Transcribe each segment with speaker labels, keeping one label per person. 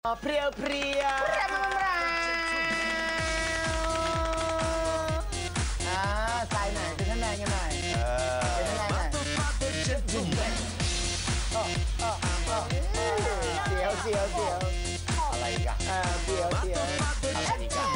Speaker 1: เพรียวเพรียว
Speaker 2: ใส่หน่อยเป็นท่านแมนกันหน่อยเป็นท่านแมนหน่อยเสียว
Speaker 1: อะไรกัน
Speaker 2: เสียว
Speaker 1: อะไรอีกอะ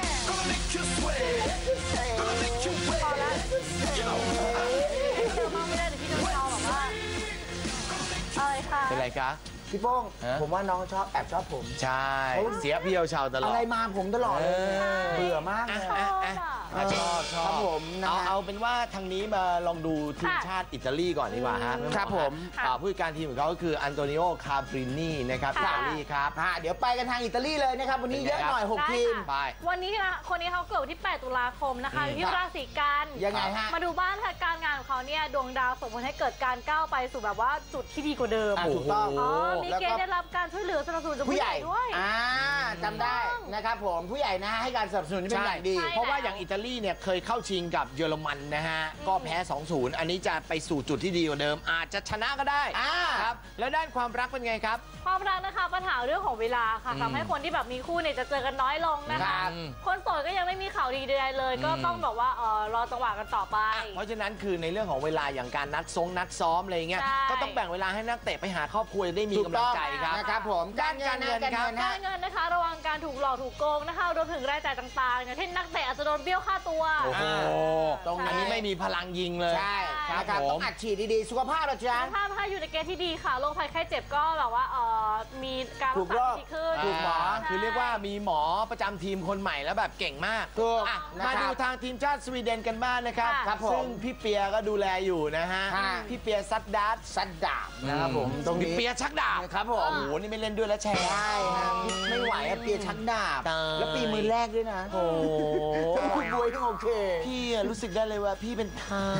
Speaker 3: พอแล้วเจอมาไม่ได้แต่พี่โดนเอาแบบว่าอะไรคะ
Speaker 1: เป็นไรคะ
Speaker 2: พี่โป้งผมว่าน้องแอบชอบผม
Speaker 1: ใช่เสียเพียวชาวตลอด
Speaker 2: อะไรมาผมตลอดเลยเบื่อมากเลย
Speaker 1: ชอบ
Speaker 2: ครับผม
Speaker 1: เอาเป็นว่าทางนี้มาลองดูทีมชาติอิตาลีก่อนดีกว่าฮะ
Speaker 2: ครับผม
Speaker 1: ผู้จัดการทีมของเขาก็คืออันโตนิโอคาบรินีนะครับอิตาลีครับ
Speaker 2: เดี๋ยวไปกันทางอิตาลีเลยนะครับวันนี้เยอะหน่อย6ทีม
Speaker 1: ไป
Speaker 3: วันนี้นะคนนี้เขาเกิดวันที่8 ตุลาคมนะคะที่ราศีกัน
Speaker 2: ยังไงฮะ
Speaker 3: มาดูบ้านการงานของเขาเนี่ยดวงดาวส่งผลให้เกิดการก้าวไปสู่แบบว่าจุดที่ดีกว่าเดิม
Speaker 2: ถูกต้อง
Speaker 3: มีเกณฑ์ได้รับการช่วยเหลือสนับสนุนจากผู้ใหญ่ด้วย
Speaker 2: จำได้นะครับผมผู้ใหญ่นะให้การสนับสนุนที่เป็นอย่างดี
Speaker 1: เพราะว่าอย่างอิตาลีเนี่ยเคยเข้าชิงกับเยอรมันนะฮะก็แพ้ 2-0 อันนี้จะไปสู่จุดที่ดีกว่าเดิมอาจจะชนะก็ได้ครับแล้วด้านความรักเป็นไงครับ
Speaker 3: ความรักนะคะปัญหาเรื่องของเวลาค่ะทำให้คนที่แบบมีคู่เนี่ยจะเจอกันน้อยลงนะคะคนโสดก็ยังไม่มีข่าวดีใดๆเลยก็ต้องแบบว่ารอจังหวะกันต่อไป
Speaker 1: เพราะฉะนั้นคือในเรื่องของเวลาอย่างการนัดซ้อมอะไรเงี้ยก็ต้องแบ่งเวลาให้นักเตะไปหาครอบครัวได้มีกำลังใจครับ
Speaker 2: นะครับผม
Speaker 1: การเงิน
Speaker 3: นะคะระวังการถูกหลอกถูกโกงนะคะรวมถึงรายจ่ายต่างๆอย่างเช่นนักเตะอาจจะโดนเบี้ยวค่าตัว
Speaker 1: ตรงนี้ไม่มีพลังยิงเลย
Speaker 2: ใช่ครับต้องอัดฉีดดีๆสุขภาพเราจ้า
Speaker 3: สุขภาพถ้าอยู่ในเกณฑ์ที่ดีค่ะโรคภัยไข้เจ็บก็แบบว่ามีการรักษาที่ดีขึ้น
Speaker 1: ถูกหมอคือเรียกว่ามีหมอประจำทีมคนใหม่แล้วแบบเก่งมากมาดูทางทีมชาติสวีเดนกันบ้างนะครับซึ่งพี่เปียก็ดูแลอยู่นะฮะพี่เปียซัดดาบ
Speaker 2: นะครับผม
Speaker 1: ตรงนี้เปียชักดาบ
Speaker 2: ครับผม
Speaker 1: โอ้โหนี่ไม่เล่นด้วยแล้วแชร์
Speaker 2: ได้ไม่ไหวเปียชักดาบแล้วปีมือแรกด้วยนะ
Speaker 1: โอ้
Speaker 2: คุณบวยต้องโอเค
Speaker 1: พี่รู้สึกได้เลยว่าพี่เป็นเท้า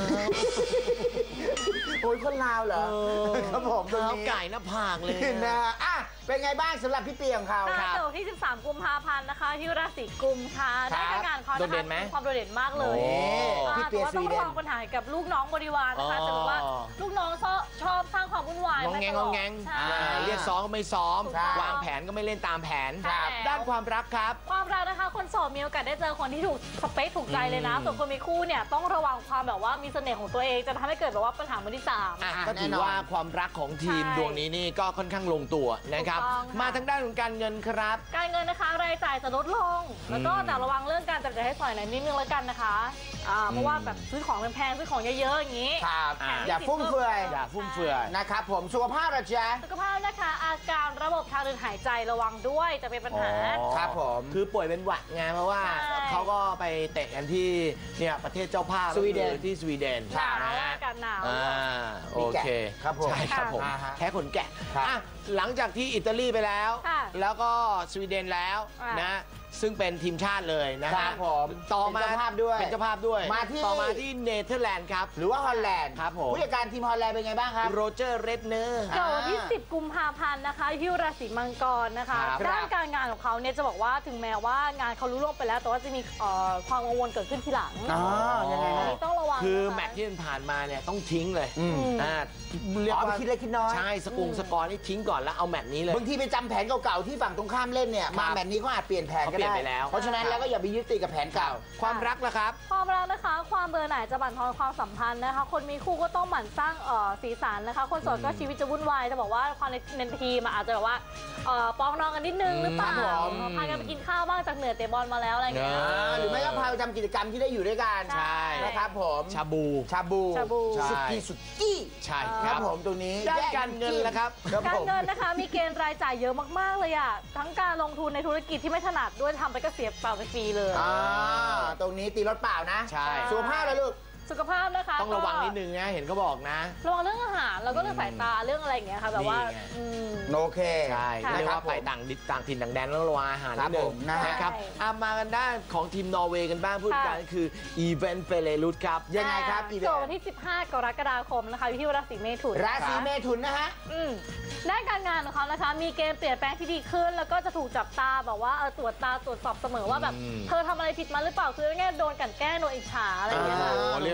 Speaker 2: โอ้ยคนลาวเหรอครับผม
Speaker 1: เท้าไก่หน้าผากเลย
Speaker 2: นะเป็นไงบ้างสำหรับพี่เปียของเขา
Speaker 3: เกิดที่13 กุมภาพันธ์นะคะที่ราศีกุมค่ะได้การงานเขานะคะมีความโดดเด่นมากเลยแต่ว่าต้องระวังปัญหากับลูกน้องบริวารนะคะจะบอกว่าลูกน้องชอบสร้างความวุ่นวาย
Speaker 1: งงเรียกซ้อมก็ไม่ซ้อมวางแผนก็ไม่เล่นตามแผนด้านความรักครับ
Speaker 3: ความรักนะคะคนโสดมีโอกาสได้เจอคนที่ถูกสเปคถูกใจเลยนะส่วนคนมีคู่เนี่ยต้องระวังความแบบว่ามีเสน่ห์ของตัวเองจะทำให้เกิดแบบว่าปัญหามือที่3
Speaker 1: ก็ถือว่าความรักของทีมดวงนี้นี่ก็ค่อนข้างลงตัวนะครับมาทางด้านของการเงินครับ
Speaker 3: การเงินนะคะรายจ่ายจะลดลงแล้วก็แต่ระวังเรื่องการจับจ่ายให้สอยหน่อยนิดนึงแล้วกันนะคะเพราะว่าแบบซื้อของแพงซื้อของเยอะๆอย่างนี้
Speaker 2: ครับอย่าฟุ่มเฟือยนะครับผมสุขภาพเราจ้า
Speaker 3: สุขภาพนะคะอาการระบบทางเดินหายใจระวังด้วยจะเป็นปัญหา
Speaker 2: ครับผม
Speaker 1: คือป่วยเป็นหวัดไงเพราะว่าเขาก็ไปเตะกันที่เนี่ยประเทศเจ้าภาพ
Speaker 2: สวีเดน
Speaker 1: ที่สวีเดน
Speaker 3: อากาศหนาว
Speaker 1: โอเค
Speaker 2: ครับผม
Speaker 1: ใช่ครับผมแค่ขนแกะหลังจากที่อิตาลีไปแล้วแล้วก็สวีเดนแล้วนะซึ่งเป็นทีมชาติเลยนะครับ
Speaker 2: ผม
Speaker 1: ต่อมา
Speaker 2: เป็นเจ้าภาพด้วย
Speaker 1: ต่อมาที่เนเธอร์แลนด์ครับ
Speaker 2: หรือว่าฮอลแลนด์
Speaker 1: ครับผม
Speaker 2: ผู้จัดการทีมฮอลแลนด์เป็นไงบ้างครับ
Speaker 1: โรเจอร์เรดเนอร์
Speaker 3: เกิดวันที่10 กุมภาพันธ์นะคะที่ราศีมังกรนะคะด้านการงานของเขาเนี่ยจะบอกว่าถึงแม้ว่างานเขารู้ล่วงไปแล้วแต่ว่าจะมีความกังวลเกิดขึ้นทีหลัง
Speaker 2: ยังไง
Speaker 3: ต้องระวัง
Speaker 1: คือแมตช์ที่ผ่านมาเนี่ยต้องทิ้งเลย
Speaker 2: เรียกว่าคิดเล็กคิดน้อย
Speaker 1: ใช่สกอร์นี่ทิ้งก่อนแล้วเอาแมตช์นี้เลย
Speaker 2: บางทีไปจำแผนเก่าๆที่ฝั่งตรงข้ามเล่นเนี่ยมาแมตช์นี้เขาอาจเปลี่ยนแผนก็ได้เพราะฉะนั้นแล้วก็อย่าไปยึดติดกับแผนเก่า
Speaker 1: ความรักล่ะครับ
Speaker 3: ความรักนะคะความเบื่อหน่ายจะบั่นทอนความสัมพันธ์นะคะคนมีคู่ก็ต้องหมั่นสร้างสีสันนะคะคนโสดก็ชีวิตจะวุ่นวายจะบอกว่าความในทีมอาจจะแบบว่าปองนองกันนิดนึงหรือเปล่าพากันไปกินข้าวบ้างจากเหนือเตะบอลมาแล้วอะไรเงี้ย
Speaker 2: หรือไม่ก็พาไปทำกิจกรรมที่ได้อยู่ด้วยกัน
Speaker 1: ใช่
Speaker 2: นะครับผม
Speaker 1: ชาบู
Speaker 2: สุกี้
Speaker 1: ใช่
Speaker 2: ครับผมตรงนี้
Speaker 1: ด้านการเงินแล้วครับ
Speaker 3: การเงินนะคะมีเกณฑ์รายจ่ายเยอะมากๆเลยอ่ะทั้งการลงทุนในธุรกิจที่ไม่ถนัดด้วยทำไปก็เสียเปล่าไปฟรีเลย
Speaker 2: ตรงนี้ตีรถเปล่านะ
Speaker 1: ใช่
Speaker 2: สุขภาพเลยลูก
Speaker 3: สุขภาพนะคะ
Speaker 1: ต้องระวังนิดนึงนะเห็นเขาบอกนะ
Speaker 3: ระวังเรื่องอาหารแล้วก็เรื่องสายตาเรื่องอะไรอย่างเงี้ยค่ะแบบว่า
Speaker 2: โอเค
Speaker 1: ใช่เรียกว่าไปต่างถิ่นต่างแดนแล้วระวังอาหารนิดนึงนะครับมากันด้านของทีมนอร์เวย์กันบ้างพูดกันคืออีเวนต์เฟเลรุตครับ
Speaker 2: ยังไงครับ
Speaker 3: อีเวนต์วันที่15 กรกฎาคมนะคะที่ราศีเมถุน
Speaker 2: นะฮะ
Speaker 3: ด้านการงานของเขานะคะมีเกณฑ์เปลี่ยนแปลงที่ดีขึ้นแล้วก็จะถูกจับตาแบบว่าตรวจสอบเสมอว่าแบบเธอทำอะไรผิดมาหรือเปล่าคือง่ายโดนกันแกล้งโดนอิจฉาอะไรอย่างเงี้ย
Speaker 1: เรียก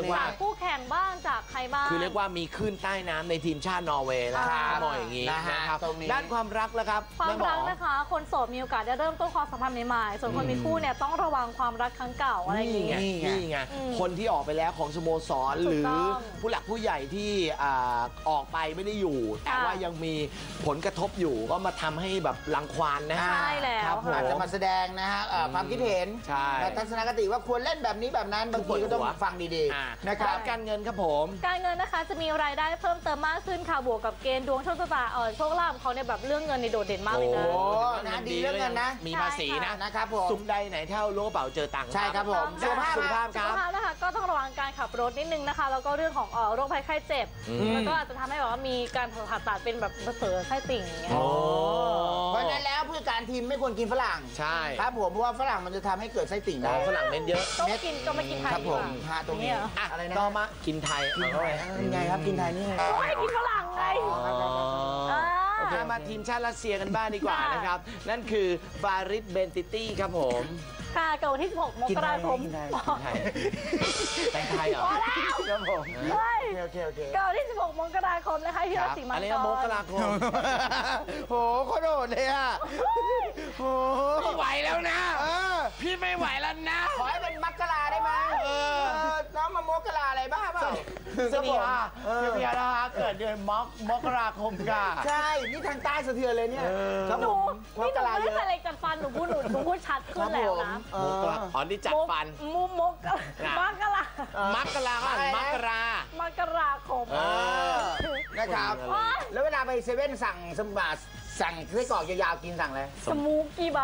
Speaker 3: จากคู่แข่งบ้างจากใครบ้าง
Speaker 1: คือเรียกว่ามีคลื่นใต้น้ำในทีมชาตินอร์เวย์แล้วมองอย่างนี้นะครับด้านความรักแล้วครับ
Speaker 3: ความรักนะคะคนโสดมีโอกาสได้เริ่มต้นความสัมพันธ์ใหม่ๆส่วนคนมีคู่เนี่ยต้องระวังความรักครั้งเก่าอะไรอย่างนี้
Speaker 1: นี่ไงคนที่ออกไปแล้วของสโมสรหรือผู้หลักผู้ใหญ่ที่ออกไปไม่ได้อยู่แต่ว่ายังมีผลกระทบอยู่ก็มาทำให้แบบรังควานนะ
Speaker 3: ใช่แล้ว
Speaker 2: อาจจะมาแสดงนะฮะความคิดเห็น
Speaker 1: ใช่
Speaker 2: และทัศนคติว่าควรเล่นแบบนี้แบบนั้นบางทีก็ต้องฟังดีๆนะครับ
Speaker 1: การเงินครับผม
Speaker 3: การเงินนะคะจะมีรายได้เพิ่มเติมมากขึ้นค่ะบวกกับเกณฑ์ดวงโชคชะตาโชคลาภของเขาเนี่ยแบบเรื่องเงินในโดดเด่นมากเลยนะ
Speaker 2: โอ้นะดีเรื่องเงินนะ
Speaker 1: มีภาษีนะ
Speaker 2: นะครับผม
Speaker 1: สุขใดไหนเท่าล้วงกระเป๋าเจอตังค์
Speaker 2: ใช่ครับผม
Speaker 1: สุขภาพค
Speaker 3: สุ
Speaker 1: รั
Speaker 3: ข
Speaker 1: บ
Speaker 3: ภาพนะคะก็ต้องระวังการขับรถนิดนึงนะคะแล้วก็เรื่องของโรคภัยไข้เจ็บแล้วก็อาจจะทำให้แบบว่ามีการผ่าตัดเป็นแบบเสริมไส้ติ่งอย่างเงี้ย
Speaker 2: เพราะฉะนั้นแล้วผู้จัดการทีมไม่ควรกินฝรั่ง
Speaker 1: ใช่
Speaker 2: ครับผมเพราะว่าฝรั่งมันจะทำให้เกิดไส้ติ่งได้
Speaker 1: ฝรั่งเม็ดเยอะ
Speaker 3: ต้องกินก็ไม่กินไทย
Speaker 2: ครับ
Speaker 3: ดี
Speaker 2: ผ
Speaker 3: ก
Speaker 2: ม
Speaker 3: ว่า
Speaker 2: ฮะตรงนี้
Speaker 3: เนี่ยเหรอ
Speaker 2: อะไรนะ
Speaker 1: ต่อมากินไทยเอาเข้าไป
Speaker 2: ยังไงครับกินไทยนี่ไง
Speaker 3: โอ้ยกินฝรั่งไง
Speaker 1: โอเคมาทีมชาติรัสเซียกันบ้างดีกว่านะครับ นั่นคือฟาริดเบนติตี้ครับผม
Speaker 3: ค่ะเกิดวันที่ 16 มกราคม
Speaker 2: กินไทย
Speaker 1: ไทยแต่งไทยเหรอ
Speaker 3: พอแล้ว
Speaker 2: ครับผม
Speaker 3: เฮ้ย
Speaker 2: โอเค
Speaker 3: เกิดวันที่ 16 มกราคมนะคะที่ราศีมัง
Speaker 1: อะไร
Speaker 3: ก
Speaker 1: นะมก
Speaker 3: ร
Speaker 1: ราคม
Speaker 2: โหโคตรโดดเลยอ่ะโห
Speaker 1: ไม่ไหวแล้วนะ พี่ไม่ไหวแล้วนะ
Speaker 2: ขอให้เป็นมักกะลาได้ไหมน้องมามกกะลาอะไรบ้าเปล่า
Speaker 1: สวัสดีค่ะพี่ยานะคะเกิดเดือนมกราคมค่ะ
Speaker 2: ใช่ นี่ทางใต้สะเทือนเลยเนี่ยครับ
Speaker 3: ห
Speaker 2: ผ
Speaker 3: นู
Speaker 2: มม
Speaker 3: นี่
Speaker 2: ก
Speaker 3: หนู
Speaker 2: กะลา
Speaker 3: ไม่
Speaker 2: เย
Speaker 3: ได้
Speaker 2: อะ
Speaker 3: ใส่อะไรจัดฟันหนูพูดชัดขึ้นแล้วนะ
Speaker 1: มกราอ๋อนี่จัดฟัน
Speaker 3: มกกะลา
Speaker 1: มักกราก็มักรา
Speaker 3: มกราคม
Speaker 2: นะครับ แล้วเวลาไปเซเว่นสั่งสมบัติสั่งไส้กรอกยาวๆกินสั่งอะไร
Speaker 3: สมูกกี่ใบ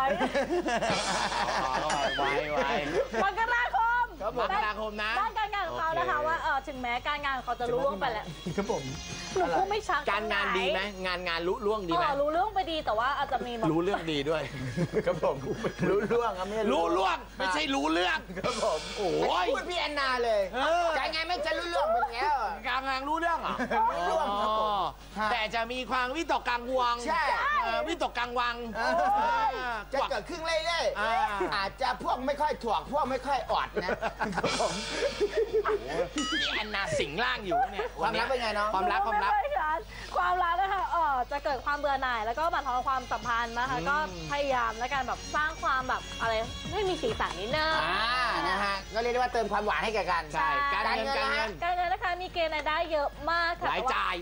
Speaker 1: ไว
Speaker 3: มกราคม
Speaker 1: มกราคมนะ
Speaker 3: ด้านการงานของเขานะคะว่าถึงแม้การงานของเขาจะรู้ล่วงไปแล้ว
Speaker 2: ครับผม
Speaker 3: หนูพูดไม่ชัด
Speaker 1: การงานดีไหมงานรู้ล่วงดีไหม
Speaker 3: รู้เรื่องไปดีแต่ว่าอาจจะมีแบบ
Speaker 1: รู้เรื่องดีด้วย
Speaker 2: ครับผมรู้เรื่องครับไม่
Speaker 1: รู้ล่วงไม่ใช่รู้เรื่อง
Speaker 2: ครับผม
Speaker 1: โอ้ย
Speaker 2: พูดพี่แอนนาเลยการไงไม่จะรู้เรื่องไปแล้ว
Speaker 1: การงานรู้เรื่องเหรอ
Speaker 2: รู้เรื่องครับผม
Speaker 1: แต่จะมีความวิตกกังวล
Speaker 2: ใช่
Speaker 1: วิตกกังวัง
Speaker 2: จะเกิดขึ้นเรื่อยๆอาจจะพวกไม่ค่อยถ่วงพวกไม่ค่อยออดนะครับผม
Speaker 1: นี่แอนนาสิงร่างอยู่เนี่ย
Speaker 2: ความรักเป็นไงน้อง
Speaker 1: ความรัก
Speaker 3: ความรักนะคะจะเกิดความเบื่อหน่ายแล้วก็บั่นทอนความสัมพันธ์นะคะก็พยายามและการแบบสร้างความแบบอะไรให้มีสีสันนิดนึง
Speaker 2: นะฮะก็เรียกได้ว่าเติมความหวานให้แก่กัน
Speaker 1: ใช่การเงิน
Speaker 3: การเงินนะคะมีเกณฑ์รายได้เยอะมากค่ะ
Speaker 1: รายจ่าย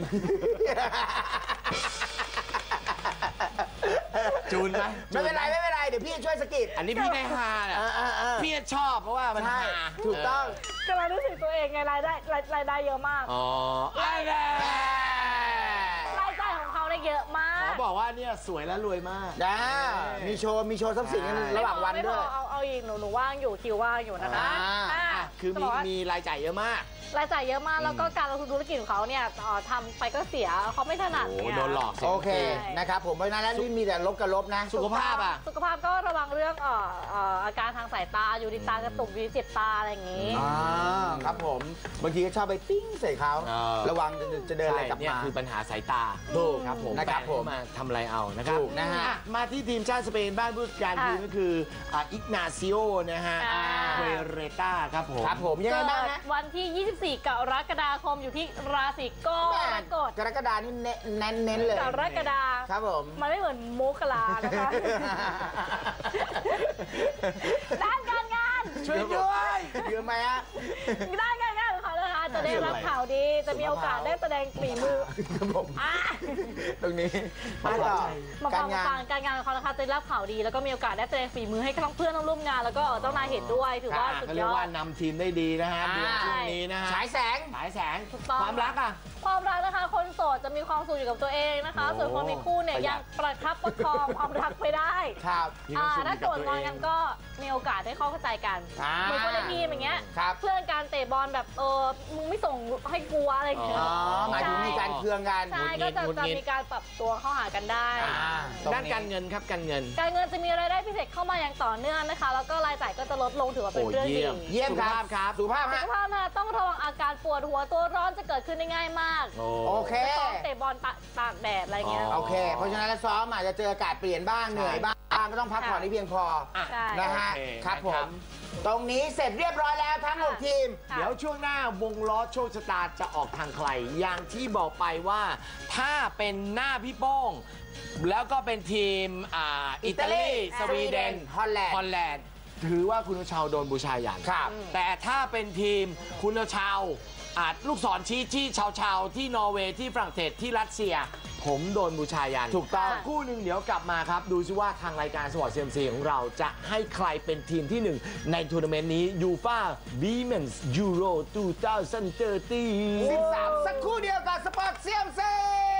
Speaker 1: จูนไหม
Speaker 2: ไม่เป็นไรเดี๋ยวพี่ช่วยสกิด
Speaker 1: อันนี้พี่ได้ฮาแหละพี่ชอบเพราะว่ามันฮา
Speaker 2: ถูกต้อง
Speaker 3: กำลังรู้สึกตัวเองไงรายได้เยอะมาก
Speaker 1: อ๋ออะไร
Speaker 3: รายจ่ายของเขาเนี่ยเยอะมาก
Speaker 1: เขาบอกว่าเนี่ยสวยและรวยมาก
Speaker 2: มีโชว์ทรัพย์สินกันระหว่างวันด้วย
Speaker 3: เอาอีกหนูว่างอยู่คิวว่างอยู่นะคะ
Speaker 1: คือมีรายจ่ายเยอะมาก
Speaker 3: รายจ่ายเยอะมากแล้วก็การลงทุนธุรกิจของเขาเนี่ยทำไปก็เสียเขาไม่ถนัด
Speaker 1: โอ้
Speaker 3: เนี่ย
Speaker 1: โดนหลอก
Speaker 2: โอเคนะครับผมเพราะฉะนั้นแล้วนี่มีแต่ลบกับลบนะ
Speaker 1: สุขภาพอ่ะ
Speaker 3: สุขภาพก็ระวังเรื่องอาการทางสายตาอยู่ดีตากระตุกอยู่ดีเจ็บตาอะไรอย่างนี้
Speaker 2: ครับผมบางทีก็ชอบไปปิ้งใส่เขาระวังจะเดินอะไรกลับ
Speaker 1: เนี่ย
Speaker 2: มา
Speaker 1: คือปัญหาสายตา
Speaker 2: ถูก
Speaker 1: ครับผม
Speaker 2: นะครับผม
Speaker 1: มาทำอะไรเอานะครับ
Speaker 2: ถูกนะฮะ
Speaker 1: มาที่ทีมชาติสเปนบ้านผู้จัดการทีมก็คืออิกนาซิโอนะฮะเวเรต้าครับผม
Speaker 2: ครับผมยังไง
Speaker 3: เกิ
Speaker 2: บ้าง
Speaker 3: ด
Speaker 2: นะ
Speaker 3: วันที่ 24 กรกฎาคมอยู่ที่ราศีกรกฎ
Speaker 2: กรกฎานี่เน้นเลย
Speaker 3: กรกฎา
Speaker 2: ครับผม
Speaker 3: มันไม่เหมือนโมกลานะคะ ด้านการงาน
Speaker 1: ช่วยด้วย
Speaker 2: เยอะไหมฮะ
Speaker 3: ด้านการงานของเขานะคะจะได้รับข่าวดีจะมีโอกาสได้แสดงฝีมือ
Speaker 2: ครับผม
Speaker 3: อ่ะ
Speaker 2: ตรงนี้มาต่อ
Speaker 3: มา
Speaker 2: การ
Speaker 3: ฟัง
Speaker 2: งาน
Speaker 3: การงานของเขานะคะจะได้รับข่าวดี แล้วก็มีโอกาสได้แสดงฝีมือให้ทั้งเพื่อนทั้งร่วมงานแล้วก็เจ้านายเห็นด้วยถือว่าสุด
Speaker 1: เขา
Speaker 3: ย
Speaker 1: เรียก
Speaker 3: อ
Speaker 1: ว่า
Speaker 3: ด
Speaker 1: นำทีมได้ดีนะฮะเดือนช่วงนี้นะฮะ
Speaker 2: ฉายแสง
Speaker 1: ฉายแสง
Speaker 3: ถูกต้อง
Speaker 1: ความรักอ่ะ
Speaker 3: ความรักนะคะ คนโสดจะมีความสุขอยู่กับตัวเองนะคะ
Speaker 1: โอ้
Speaker 3: ส่วนคนมีคู่เนี่ย
Speaker 1: ประหยั
Speaker 3: ยั
Speaker 1: ด
Speaker 3: งประคับประคองความรักไปได้
Speaker 2: ครับ
Speaker 1: มีความสุข
Speaker 3: ถ้า
Speaker 1: อยู่
Speaker 3: โก
Speaker 1: กับ
Speaker 3: รธ
Speaker 1: ตัว
Speaker 3: งอน
Speaker 1: เอ
Speaker 3: กั
Speaker 1: ง
Speaker 3: นก็มีโอกาสได้เข้าใจกันเหมือนคนในทีมอย่างเงี้ย
Speaker 2: ครับ
Speaker 3: เพื่อนการเตะบอลแบบมึงไม่ส่งให้กูอะไรอย่างเงี้ย
Speaker 2: หมายถึงมีการเคืองกัน
Speaker 3: ใช่ก็จะมีการปรับตัวเข้าหากันได้
Speaker 1: ด้านการเงินครับการเงิน
Speaker 3: การเงินจะมีรายได้พิเศษเข้ามาอย่างต่อเนื่องนะคะ แล้วก็รายจ่ายก็จะลดลงถือว่าเป็นเรื่องดี
Speaker 2: เยี่ยมครับ สุภาพ
Speaker 3: สุ
Speaker 2: ฮะ
Speaker 3: ขภาพนะคะต้องระวังอาการปวดหัวตัวร้อนจะเกิดขึ้นได้ง่ายมาก
Speaker 2: โอเค
Speaker 3: ซ้อมเตะบอลตากแดดอะไรเงี้ย
Speaker 2: โอเค เพราะฉะนั้นแล้วซ้อมอาจจะเจออากาศเปลี่ยนบ้างเหนื่อยบ้างก็ต้องพักผ่อนให้เพียงพอ
Speaker 3: ใช่
Speaker 2: นะฮะครับผมตรงนี้เสร็จเรียบร้อยแล้วทั้ง6ทีม
Speaker 1: เดี๋ยวช่วงหน้าวงล้อโชคชะตาจะออกทางใคร อย่างที่บอกไปว่าถ้าเป็นหน้าพี่โป้งแล้วก็เป็นทีมอิตาลีสวีเดน
Speaker 2: ฮอลแลนด์
Speaker 1: ถือว่าคุณชาวโดนบูชายัน
Speaker 2: ครับ
Speaker 1: แต่ถ้าเป็นทีมคุณชาวลูกศรชี้ที่ชาวที่นอร์เวย์ที่ฝรั่งเศสที่รัสเซีย ผมโดนบูชายัน
Speaker 2: ถูกต้อง
Speaker 1: สัคู่หนึ่งเดี๋ยวกลับมาครับ ดูซิว่าทางรายการสปอร์ต CMC ของเราจะให้ใครเป็นทีมที่ 1 ในทัวร์นาเมนต์นี้ยูฟ่าวีแมนส์ยูโร2013
Speaker 2: 13 สักครู่เดียวกับสปอร์ตเซียมซี